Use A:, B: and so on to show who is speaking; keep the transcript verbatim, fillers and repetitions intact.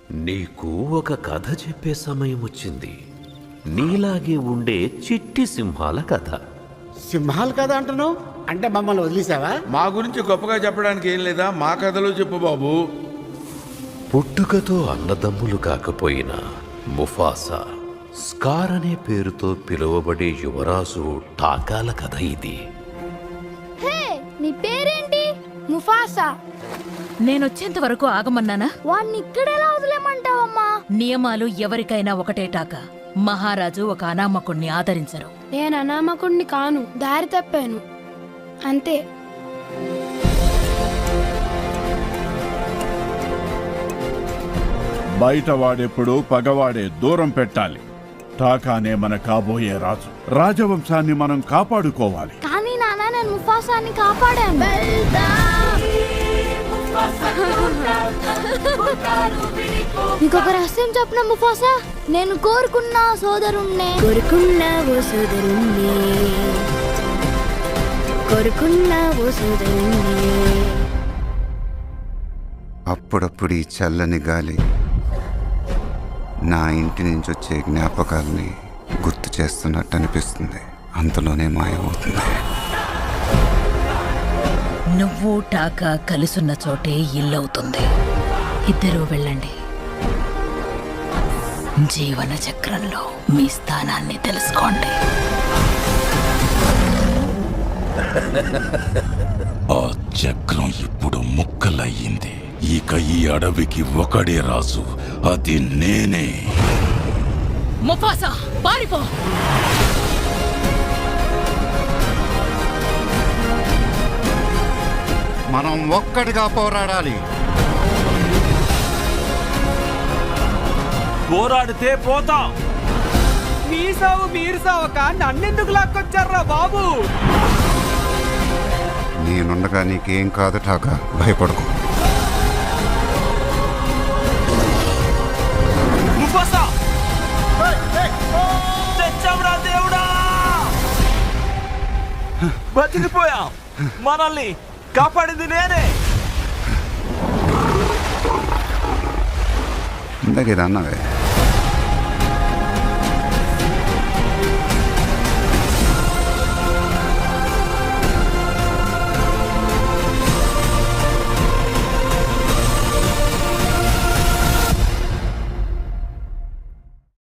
A: నీకు ఒక కథ చెప్పే సమయం వచ్చింది. నీలాగే ఉండే చిట్టి సింహాల కథ.
B: సింహాలు కదా అంటున్నావు? అంటే మమ్మల్ని వదిలేసావా?
C: మా గురించి గొప్పగా చెప్పడానికి ఏం లేదా? మా కథలో చెప్పు బాబు.
A: పుట్టుకతో అన్నదమ్ములు కాకపోయినా ముఫాసా, స్కార్ అనే పేరుతో పిలువబడే యువరాజు టాకాల కథ ఇది.
D: హే, నీ పేరేంటి? ముఫాసా.
E: నేనొచ్చేంత వరకు ఆగమన్నానా?
D: వాణ్ణి ఇక్కడెలా వదిలేమంటావమ్మా?
E: నియమాలు ఎవరికైనా ఒకటేటాక మహారాజు ఒక అనామకుణ్ణి ఆదరించరు.
D: నేను అనామకుణ్ణి కాను, దారి తప్పాను అంతే.
F: బయట వాడెప్పుడు పగవాడే దూరం పెట్టాలి. టాకానే మన కాబోయే రాజు. రాజవంశాన్ని మనం కాపాడుకోవాలి.
D: కానీ నాన్న, నేను ముఫాసాని కాపాడాను. ఇంకొక రహస్యం చెప్పిన ముఫాసా, నేను కోరుకున్న సోదరుణ్ణే కోరుకున్నా ఓ సోదరుణ్ణే కోరుకున్నా ఓ సోదరుణ్ణే.
G: అప్పుడప్పుడు ఈ చల్లని గాలి నా ఇంటి నుంచి వచ్చే జ్ఞాపకాల్ని గుర్తు చేస్తున్నట్టు అనిపిస్తుంది. అంతలోనే మాయమవుతుంది.
E: నువ్వు టాకా కలిసున్న చోటే ఇల్లవుతుంది. ఇద్దరూ వెళ్ళండి. జీవన చక్రంలో మీ స్థానాన్ని తెలుసుకోండి.
H: ఆ చక్రం ఇప్పుడు ముక్కలయ్యింది. ఇక ఈ అడవికి ఒకడే రాజు, అది నేనే.
E: ముఫాసా, పారిపో!
G: మనం ఒక్కడిగా పోరాడాలి.
I: పోరాడితే పోతాం. మీ సావు మీరు సావక నన్నెందుకు లాక్కొచ్చారా బాబు?
G: నేనుండగా నీకేం కాదు టాకా, భయపడకు.
I: దేవుడా, బతికిపోయాం. మనల్ని కాపాడింది నేనే.
G: ఇందాక ఇది అన్నావే.